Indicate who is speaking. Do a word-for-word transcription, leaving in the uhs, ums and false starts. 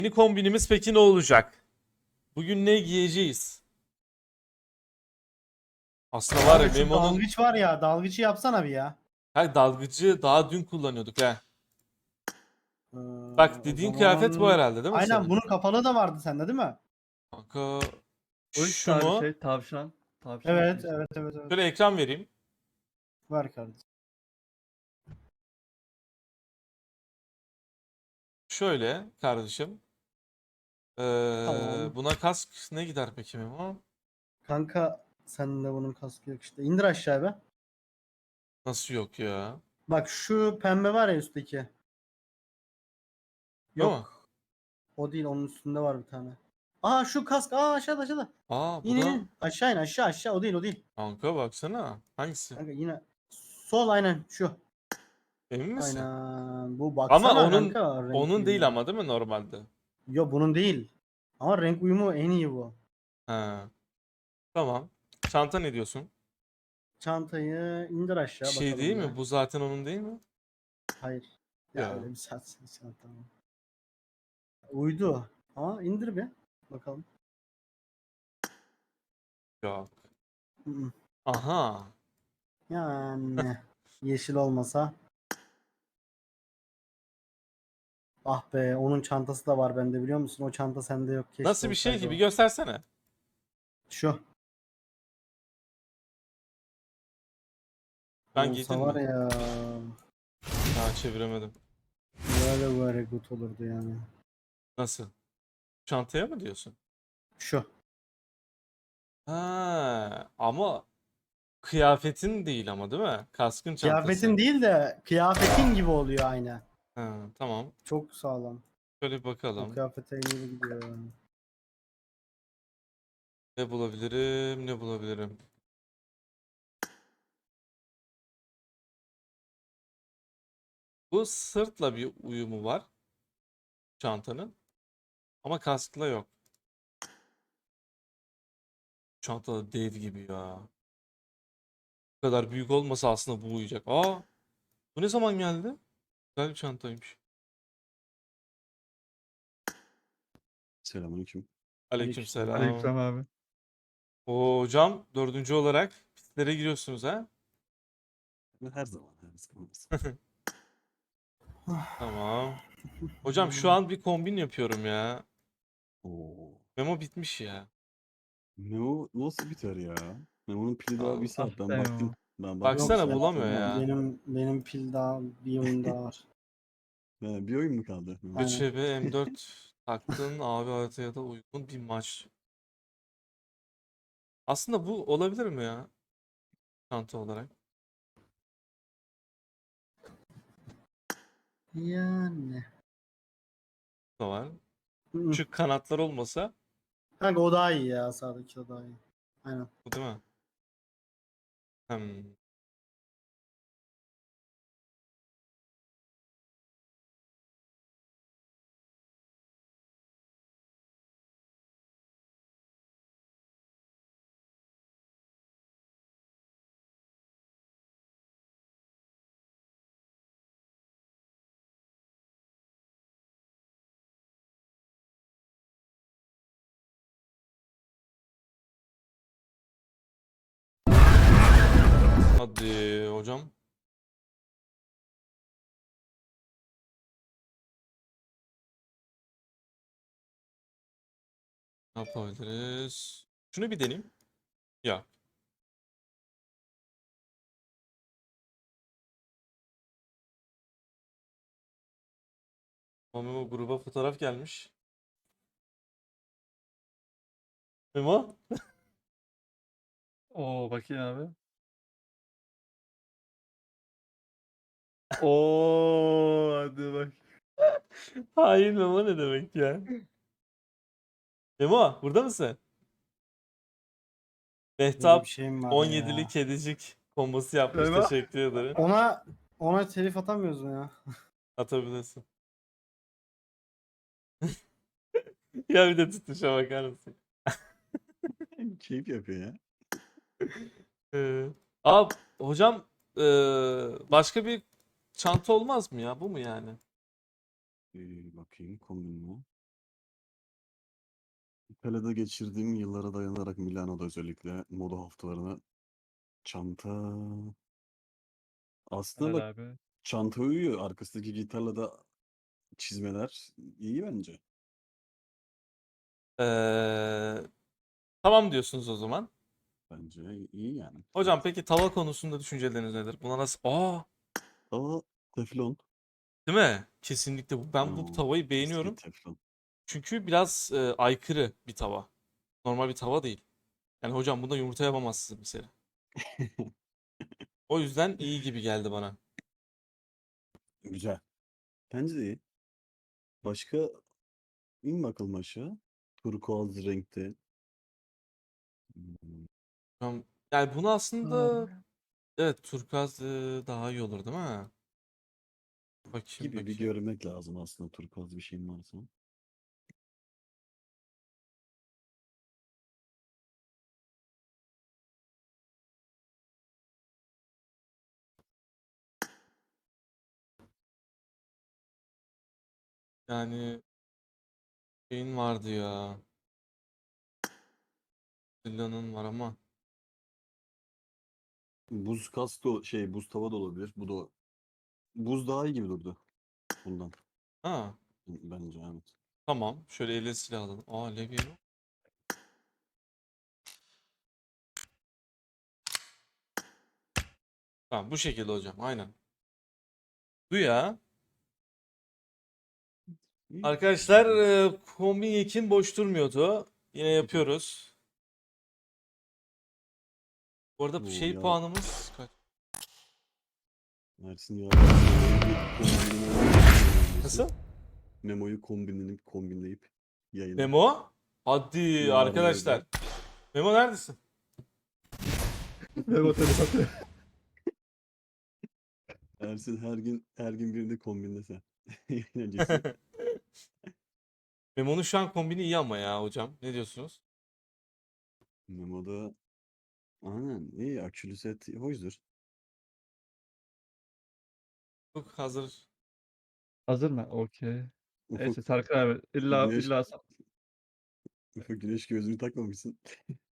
Speaker 1: Yeni kombinimiz peki ne olacak? Bugün ne giyeceğiz? Aslında var ya
Speaker 2: Abi şu
Speaker 1: Memo'nun
Speaker 2: dalgıç var ya, dalgıcı yapsana bir ya.
Speaker 1: her dalgıcı daha dün kullanıyorduk ha.
Speaker 2: Ee,
Speaker 1: Bak
Speaker 2: o
Speaker 1: dediğin kıyafet bu
Speaker 2: zaman
Speaker 1: herhalde değil mi
Speaker 2: aynen
Speaker 1: senin?
Speaker 2: bunun kapalı da vardı sende değil mi?
Speaker 1: Kanka
Speaker 3: O
Speaker 1: şu
Speaker 3: işte abi
Speaker 1: mu?
Speaker 3: şey tavşan. Tavşan
Speaker 2: Evet,
Speaker 3: işte.
Speaker 2: evet, evet, evet.
Speaker 1: Şöyle ekran vereyim.
Speaker 2: Var kardeşim.
Speaker 1: Şöyle kardeşim. Ee,
Speaker 2: Tamam.
Speaker 1: buna kask ne gider peki Memo?
Speaker 2: Kanka sende bunun kaskı yok işte. İndir aşağı be.
Speaker 1: Nasıl yok ya?
Speaker 2: Bak şu pembe var ya üstteki.
Speaker 1: Değil mi?
Speaker 2: Yok. O değil, onun üstünde var bir tane. Aa şu kask. Aa aşağıda aşağıda.
Speaker 1: Aa bu
Speaker 2: İn in
Speaker 1: da
Speaker 2: in. Aşağı in aşağı aşağı. O değil o değil.
Speaker 1: kanka baksana. Hangisi?
Speaker 2: Kanka yine. Sol aynen şu.
Speaker 1: Emin misin?
Speaker 2: Aynen. Bu
Speaker 1: Ama
Speaker 2: baksana
Speaker 1: onun
Speaker 2: kanka renk
Speaker 1: onun değil
Speaker 2: uyumu.
Speaker 1: ama değil mi normalde?
Speaker 2: Yo bunun değil. Ama renk uyumu en iyi bu.
Speaker 1: Ha, tamam. Çanta ne diyorsun?
Speaker 2: Çantayı indir aşağı
Speaker 1: Şey değil
Speaker 2: bakalım
Speaker 1: mi?
Speaker 2: bir.
Speaker 1: Bu zaten onun değil mi?
Speaker 2: Hayır. Ya
Speaker 1: Ya
Speaker 2: öyle bir saat çanta mı? Uydu. Ama indir bir. Bakalım.
Speaker 1: yok.
Speaker 2: Hı hı.
Speaker 1: Aha.
Speaker 2: Yani yeşil olmasa. Ah be, onun çantası da var bende biliyor musun? O çanta sende yok. Keşke
Speaker 1: Nasıl bir şey
Speaker 2: olsaydı
Speaker 1: gibi
Speaker 2: o.
Speaker 1: göstersene.
Speaker 2: Şu.
Speaker 1: Ben
Speaker 2: Olsa
Speaker 1: giydin
Speaker 2: var
Speaker 1: mi?
Speaker 2: ya.
Speaker 1: Ha çeviremedim.
Speaker 2: Böyle böyle good olurdu yani.
Speaker 1: Nasıl? Çantaya mı diyorsun?
Speaker 2: Şu.
Speaker 1: Ha ama kıyafetin değil ama değil mi? Kaskın çantası.
Speaker 2: Kıyafetin değil de kıyafetin gibi oluyor aynı.
Speaker 1: Ha, tamam.
Speaker 2: Çok sağlam.
Speaker 1: Şöyle bir
Speaker 2: O
Speaker 1: bakalım.
Speaker 2: kıyafete iyi gidiyor yani.
Speaker 1: Ne bulabilirim? Ne bulabilirim? Bu sırtla bir uyumu var çantanın. Ama kaskla yok. Çanta da dev gibi ya. Bu kadar büyük olmasa aslında bu uyuyacak. Aa, bu ne zaman geldi? Güzel bir çantaymış.
Speaker 4: Selamünaleyküm.
Speaker 2: Aleykümselam.
Speaker 1: Aleykümselam.
Speaker 3: Aleykümselam abi.
Speaker 1: O hocam dördüncü olarak pistlere giriyorsunuz ha?
Speaker 4: Her zaman, her zaman. Her zaman.
Speaker 1: Tamam. Hocam şu an bir kombin yapıyorum ya.
Speaker 4: Oo.
Speaker 1: Memo bitmiş ya.
Speaker 4: Memo nasıl biter ya? Memo'nun pili daha bir
Speaker 1: Allah.
Speaker 4: saat.
Speaker 3: Ah
Speaker 4: Ben
Speaker 3: be
Speaker 4: baktım.
Speaker 3: o.
Speaker 4: Ben baktım.
Speaker 2: Yok
Speaker 1: Baksana
Speaker 4: Son,
Speaker 2: ya,
Speaker 1: bulamıyor
Speaker 4: son
Speaker 1: ya.
Speaker 2: benim benim pil daha bir oyun daha var.
Speaker 4: He, bir oyun mu kaldı? Memo?
Speaker 2: Aynen.
Speaker 1: ÖÇB M dört taktın abi haritaya da uygun bir maç. Aslında bu olabilir mi ya? Çanta olarak.
Speaker 2: Yani.
Speaker 1: Bu da var.
Speaker 2: Hı.
Speaker 1: Şu kanatlar olmasa
Speaker 2: Kanka o daha iyi ya, sağdaki o daha iyi. Aynen.
Speaker 1: bu değil mi? Hmm. Hadi hocam. Ne yapabiliriz? Şunu bir deneyeyim. Ya. Memo gruba fotoğraf gelmiş. Memo?
Speaker 3: Oo bakayım abi. Oo hadi bak.
Speaker 1: Hayır Memo ne demek ya? Memo burada mısın?
Speaker 2: Böyle bir
Speaker 1: Mehtap
Speaker 2: şey mi var
Speaker 1: on yedili
Speaker 2: ya?
Speaker 1: kedicik kombosu yapmış.
Speaker 3: Memo.
Speaker 1: Teşekkür ederim.
Speaker 2: Ona ona telif atamıyoruz mu ya?
Speaker 1: Atabilirsin. Ya bir de tutuşa bakar mısın?
Speaker 4: Keyif yapıyor ya.
Speaker 1: Ee, Aa, hocam ee, başka bir çanta olmaz mı ya? Bu mu yani?
Speaker 4: Ee, bakayım kombin mi? Pele'de geçirdiğim yıllara dayanarak Milano'da özellikle moda haftalarına çanta aslında
Speaker 3: Helal
Speaker 4: bak
Speaker 3: abi.
Speaker 4: çanta uyuyor. Arkasındaki gitarla da çizmeler iyi bence.
Speaker 1: Ee, tamam diyorsunuz o zaman.
Speaker 4: Bence iyi yani.
Speaker 1: Hocam
Speaker 4: Evet.
Speaker 1: peki tava konusunda düşünceleriniz nedir? Buna nasıl? Aa,
Speaker 4: Ama teflon.
Speaker 1: değil mi? Kesinlikle bu. Ben bu
Speaker 4: Aa,
Speaker 1: tavayı
Speaker 4: eski
Speaker 1: beğeniyorum.
Speaker 4: teflon.
Speaker 1: Çünkü biraz e, aykırı bir tava. Normal bir tava değil. Yani hocam bunda yumurta yapamazsınız mesela. O yüzden iyi gibi geldi bana.
Speaker 4: Güzel. Bence de iyi. Başka in bakalım aşağı. Turkuaz renkte. Hmm,
Speaker 1: Hocam, yani bunu aslında
Speaker 3: Abi.
Speaker 1: evet turkuaz e, daha iyi olur değil mi? Bakayım
Speaker 4: gibi bir
Speaker 1: bakayım.
Speaker 4: görmek lazım aslında turkuaz bir şeyin varsa.
Speaker 1: Yani şeyin vardı ya. Zilla'nın var ama.
Speaker 4: Buz kasko şey buz tava da olabilir. Bu da buz daha iyi gibi durdu bundan.
Speaker 1: Ha,
Speaker 4: Bence evet.
Speaker 1: tamam. Şöyle elle silah alalım. Aa levye mi? Tamam bu şekilde hocam. Aynen. Bu ya.
Speaker 4: İyi.
Speaker 1: Arkadaşlar e, kombin yekin boş durmuyordu. Yine yapıyoruz. Bu arada
Speaker 4: Oo
Speaker 1: şey
Speaker 4: ya
Speaker 1: puanımız kaç?
Speaker 4: Ersin ya kombinini
Speaker 1: Nasıl?
Speaker 4: Memo'yu kombinlenip kombinleyip yayına
Speaker 1: Memo? Hadi
Speaker 4: yarın evde.
Speaker 1: arkadaşlar. Memo neredesin?
Speaker 3: Memo telepati.
Speaker 4: Ersin her gün her gün birini kombinlese. Yayın öncesi.
Speaker 1: Memo'nun şu an kombini iyi ama ya hocam. Ne diyorsunuz?
Speaker 4: Memo'da aynen iyi akülü set hoşdur.
Speaker 1: Çok hazır.
Speaker 3: Hazır mı? Okey.
Speaker 4: Ufuk
Speaker 3: Neyse Serkan abi. İlla
Speaker 4: güneş
Speaker 3: illa
Speaker 4: Ufuk güneş gözlüğünü takmamışsın.